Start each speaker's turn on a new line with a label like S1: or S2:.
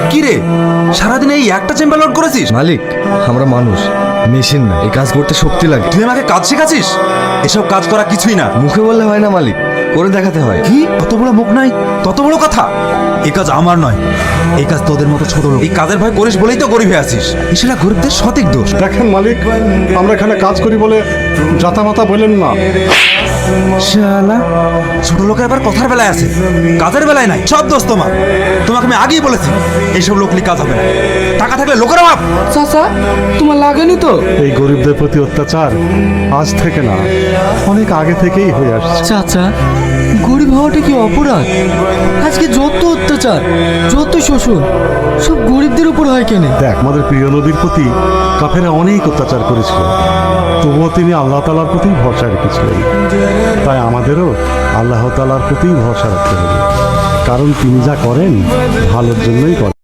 S1: কি রে, সারাদিন এই একটা চেম্বার লোড করেছিস?
S2: মালিক, আমরা মানুষ, মেশিন না। এই কাজ করতে শক্তি লাগে।
S1: তুই আমাকে কাজ শেখাচ্ছিস? এসব কাজ করা কিছুই না।
S2: মুখে বললে হয় না মালিক, করে দেখাতে হয়।
S1: কি তত বড় মুখ নাই, তত বড় কথা? এই কাজ আমার নয়, এই কাজ তোদের মতো ছোট লোক। এই কাজের ভয় করিস বলেই তো গরিব হয়ে আছিস। সেটা গরিবদের সঠিক দোষ।
S3: দেখেন মালিক, আমরা এখানে কাজ করি বলে জাতামাতা বললেন না।
S1: শালা, ছোট লোকের আবার কথার বেলায় আছে, কাজের বেলায় নাই। সব দোষ তোমার। তোমাকে আমি আগেই বলেছি এইসব লোকলি কাজ হবে না। টাকা থাকলে লোকের অভাব।
S4: চাচা, তোমার লাগেনি তো?
S3: এই গরিবদের প্রতি অত্যাচার আজ থেকে না, অনেক আগে থেকেই হয়ে আসছে।
S4: চাচা, গরিব হওয়াটা কি অপরাধ? আজকে যত অত্যাচার, যত শোষণ, সব গরিবদের উপর হয় কেন?
S3: দেখ, আমাদের প্রিয় নবীর প্রতি কাফেরা অনেক অত্যাচার করেছিল, তবুও তিনি আল্লাহ তাআলার প্রতি ভরসা রেখেছিলেন। তাই আমাদেরও আল্লাহ তাআলার প্রতি ভরসা রাখতে হবে, কারণ তিনি যা করেন ভালোর জন্যই করেন।